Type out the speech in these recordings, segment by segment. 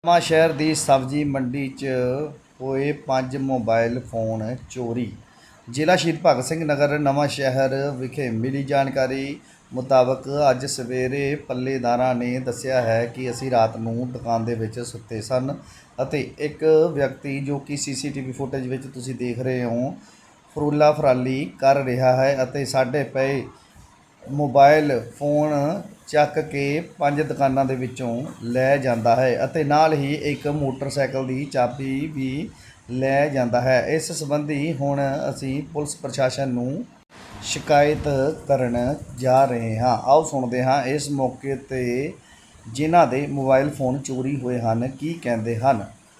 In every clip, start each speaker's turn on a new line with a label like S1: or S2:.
S1: ਨਵਾਂ ਸ਼ਹਿਰ ਦੀ ਸਬਜ਼ੀ ਮੰਡੀ 'ਚ ਹੋਏ 5 ਮੋਬਾਈਲ ਫੋਨ ਚੋਰੀ। ਜ਼ਿਲ੍ਹਾ ਸ਼ਹੀਦ ਭਗਤ ਸਿੰਘ ਨਗਰ ਨਵਾਂ ਸ਼ਹਿਰ ਵਿਖੇ ਮਿਲੀ ਜਾਣਕਾਰੀ ਮੁਤਾਬਕ ਅੱਜ ਸਵੇਰੇ ਪੱਲੇਦਾਰਾਂ ਨੇ ਦੱਸਿਆ ਹੈ ਕਿ ਅਸੀਂ ਰਾਤ ਨੂੰ ਦੁਕਾਨ ਦੇ ਵਿੱਚ ਸੁੱਤੇ ਸਨ ਅਤੇ ਇੱਕ ਵਿਅਕਤੀ ਜੋ ਕਿ ਸੀਸੀਟੀਵੀ ਫੁਟੇਜ ਵਿੱਚ ਤੁਸੀਂ ਦੇਖ ਰਹੇ ਹੋ ਫਰੂਲਾ ਫਰਾਲੀ ਕਰ ਰਿਹਾ ਹੈ ਅਤੇ ਸਾਡੇ ਪਏ मोबाइल फोन ਚੱਕ के 5 दुकानों के विचों लै जाता है ਅਤੇ नाल ही एक मोटरसाइकिल की चाबी भी लै जाता है। इस संबंधी हुण असी पुलिस प्रशासन नूं शिकायत करन जा रहे हाँ। आओ सुनते हाँ इस मौके ते जिन्हां दे मोबाइल फोन चोरी हुए हैं की कहते हैं।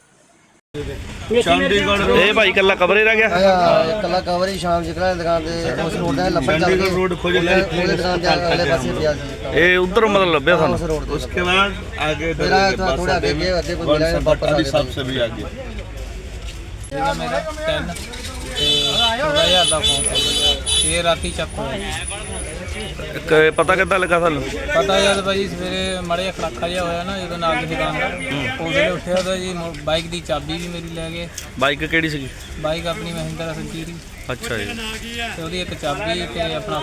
S1: ਇਹ ਭਾਈ ਕੱਲਾ ਕਵਰ ਹੀ ਰਹਿ ਗਿਆ।
S2: ਕੱਲਾ ਕਵਰ ਹੀ ਸ਼ਾਮ ਜਿਕਰਾ ਦੁਕਾਨ ਤੇ ਉਸ ਰੋਡ ਦਾ ਲੱਭਣ ਚੱਲ ਗਏ। ਰੋਡ ਖੋਜ ਲੈ ਉਹਦੇ ਦੁਕਾਨ ਦੇ ਅਗਲੇ ਪਾਸੇ ਪਿਆ ਸੀ।
S1: ਇਹ ਉਧਰ ਮਤਲਬ ਲੱਭਿਆ ਸਾਨੂੰ।
S3: उसके बाद आगे
S2: थोड़ा आगे गए ਅੱਧੇ कोई मिला वापस
S3: हिसाब से भी आगे
S4: मेरा 10 ਤੇ 14000 ਦਾ ਫੋਨ ਇਹ ਰਾਤੀ ਚੱਕ ਹੋਇਆ।
S1: ਪਤਾ ਕਿੱਦਾਂ ਲੱਗਾ ਸਾਨੂੰ?
S4: ਪਤਾ ਯਾਰ ਭਾਈ ਸਵੇਰੇ ਮਾੜਾ ਖੜਾਕਾ ਜਿਹਾ ਹੋਇਆ ਨਾ ਜਦੋਂ ਨਾਲ ਦੀ ਦੁਕਾਨ ਦਾ ਉਹਦੇ ਉੱਠਿਆ ਤਾਂ ਜੀ ਬਾਈਕ ਦੀ ਚਾਬੀ ਵੀ ਮੇਰੀ ਲੈ ਗਏ।
S1: ਬਾਈਕ ਕਿਹੜੀ ਸੀਗੀ?
S4: ਬਾਈਕ ਆਪਣੀ ਮਹਿੰਦਰਾ ਸੰਚੀਰੀ।
S1: ਅੱਛਾ ਜੀ।
S4: ਤੇ ਉਹਦੀ ਇੱਕ ਚਾਬੀ ਤੇ ਆਪਣਾ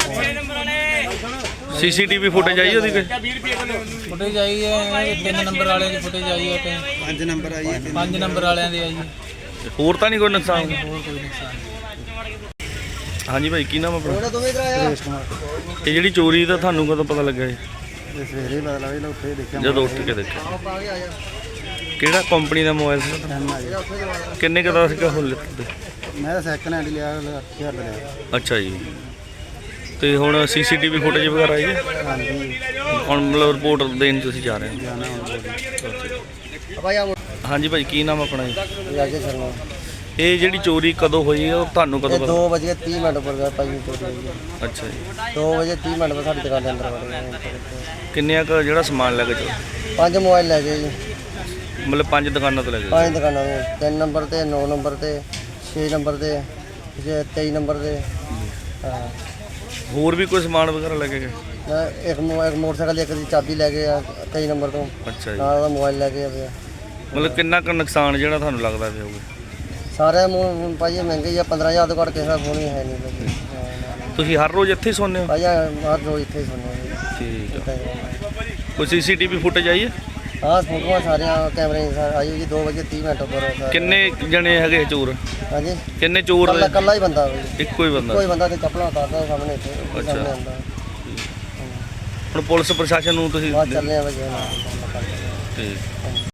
S4: ਫੋਨ।
S1: ਸੀਸੀਟੀਵੀ ਫੁਟੇਜ ਆਈ ਉਹਦੀ ਕੋਈ?
S4: ਫੁਟੇਜ ਆਈ ਹੈ 3 ਨੰਬਰ ਵਾਲਿਆਂ ਦੀ ਫੁਟੇਜ ਆਈ ਹੈ ਤੇ
S2: 5 ਨੰਬਰ ਆਈ ਹੈ
S4: 5 ਨੰਬਰ ਵਾਲਿਆਂ ਦੀ ਆਈ ਹੈ।
S1: ਹੋਰ ਤਾਂ ਨਹੀਂ ਕੋਈ ਨੁਕਸਾਨ?
S4: ਹੋਰ ਕੋਈ ਨੁਕਸਾਨ ਨਹੀਂ।
S1: ਹਾਂਜੀ ਭਾਈ ਕੀ ਨਾਮ ਆਪਣਾ?
S2: ਦੋਵੇਂ ਇਧਰ ਆਇਆ
S1: ਇਹ ਜਿਹੜੀ ਚੋਰੀ ਦਾ ਤੁਹਾਨੂੰ ਕਦੋਂ ਪਤਾ ਲੱਗਾ ਜੀ?
S2: ਸਵੇਰੇ ਪਤਾ ਲੱਗਾ ਇਹਨਾਂ ਉੱਥੇ ਦੇਖਿਆ
S1: ਜਦੋਂ ਉੱਠ ਕੇ ਦੇਖਿਆ।
S2: ਆ ਗਿਆ
S1: ਕਿਹੜਾ ਕੰਪਨੀ ਦਾ ਮੋਬਾਈਲ ਸੀ? ਕਿੰਨੇ ਕੁ ਦਾ ਸੀਗਾ ਹੁਣ ਲਿੱਤੇ?
S2: ਮੈਂ ਸੈਕਿੰਡ ਹੈਂਡ ਲਿਆ 8000 ਦਾ ਲਿਆ।
S1: ਅੱਛਾ ਜੀ। ਤੇ ਹੁਣ ਸੀਸੀਟੀਵੀ ਫੁਟੇਜ ਵਗੈਰਾ ਆਈ ਹੈ?
S2: ਹਾਂਜੀ
S1: ਹੁਣ ਮਤਲਬ ਰਿਪੋਰਟ ਦੇਣ ਤੁਸੀਂ ਜਾ ਰਹੇ ਹੋ?
S2: ਜਾਣਾ ਹੁਣ ਭਾਈ ਆ
S1: ਹਾਂਜੀ ਭਾਈ ਕੀ ਨਾਮ ਆਪਣਾ ਜੀ?
S2: ਰਾਜੇ ਸ਼ਰਮਾ।
S1: ਇਹ ਜਿਹੜੀ ਚੋਰੀ ਕਦੋਂ ਹੋਈ ਹੈ ਉਹ ਤੁਹਾਨੂੰ ਕਦੋਂ ਪਤਾ?
S2: 2:30 ਪਰ ਗਿਆ ਭਾਈ ਚੋਰੀ ਹੋਈ ਹੈ।
S1: ਅੱਛਾ ਜੀ।
S2: 2:30 ਪਰ ਸਾਡੀ ਦੁਕਾਨ ਦੇ ਅੰਦਰ ਵੜ ਗਏ।
S1: ਕਿੰਨਿਆਂ ਕੁ ਜਿਹੜਾ ਸਮਾਨ ਲੈ ਕੇ ਚੋਰੀ?
S2: 5 ਮੋਬਾਈਲ ਲੈ ਗਏ ਜੀ।
S1: ਮਤਲਬ 5 ਦੁਕਾਨਾਂ ਤੋਂ ਲੈ ਗਏ?
S2: 5 ਦੁਕਾਨਾਂ ਤੋਂ 3 ਨੰਬਰ ਤੇ 9 ਨੰਬਰ ਤੇ 6 ਨੰਬਰ ਤੇ 23 ਨੰਬਰ ਤੇ ਹਾਂ।
S1: ਹੋਰ ਵੀ ਕੋਈ ਸਮਾਨ ਵਗੈਰਾ ਲੈ ਕੇ ਗਏ?
S2: ਇੱਕ ਮੋਟਰਸਾਈਕਲ ਇੱਕ ਦੀ ਚਾਬੀ ਲੈ ਗਏ ਆ 23 ਨੰਬਰ ਤੋਂ।
S1: ਅੱਛਾ ਜੀ।
S2: ਨਾਲ ਉਹਦਾ ਮੋਬਾਈਲ ਲੈ ਕੇ ਆ ਪਿਆ।
S1: ਮਤਲਬ ਕਿੰਨਾ ਕੁ ਨੁਕਸਾਨ ਜਿਹੜਾ ਤੁਹਾਨੂੰ ਲੱਗਦਾ ਪਿਆ ਹੋਊਗਾ?
S2: ਸਾਰੇ ਭਾਈ ਇਹ ਮਹਿੰਗੇ ਆ 15000 ਤੋਂ ਘੱਟ ਕਿਸੇ ਦਾ ਫੋਨ ਹੀ ਹੈ ਨਹੀਂ ਭਾਈ।
S1: ਤੁਸੀਂ ਹਰ ਰੋਜ਼ ਇੱਥੇ ਹੀ ਸੌਂਦੇ ਹੋ?
S2: ਭਾਈ ਹਰ ਰੋਜ਼ ਇੱਥੇ ਹੀ ਸੁਣਿਆ
S1: ਠੀਕ ਹੈ। ਕੋਈ ਸੀਸੀਟੀਵੀ ਫੁਟੇਜ ਆਈ ਹੈ?
S2: ਹਾਂ ਫੋਟੋਆਂ ਸਾਰੀਆਂ ਕੈਮਰੇ ਆਈ ਹੋਈ ਜੀ 2:30 ਪਰ।
S1: ਕਿੰਨੇ ਜਣੇ ਹੈਗੇ ਚੋਰ?
S2: ਹਾਂਜੀ
S1: ਕਿੰਨੇ ਚੋਰ?
S2: ਕੱਲਾ ਹੀ ਬੰਦਾ ਭਾਈ।
S1: ਇੱਕੋ ਹੀ ਬੰਦਾ?
S2: ਕੋਈ ਬੰਦਾ ਤੇ ਚੱਪਲਾਂ ਉਤਾਰਦਾ ਸਾਹਮਣੇ ਇੱਥੇ ਸਾਹਮਣੇ ਆਉਂਦਾ।
S1: ਹੁਣ ਪੁਲਿਸ ਪ੍ਰਸ਼ਾਸਨ ਨੂੰ ਤੁਸੀਂ
S2: ਬਾਅਦ ਚੱਲਦੇ ਆ ਭਾਈ।
S1: ਠੀਕ।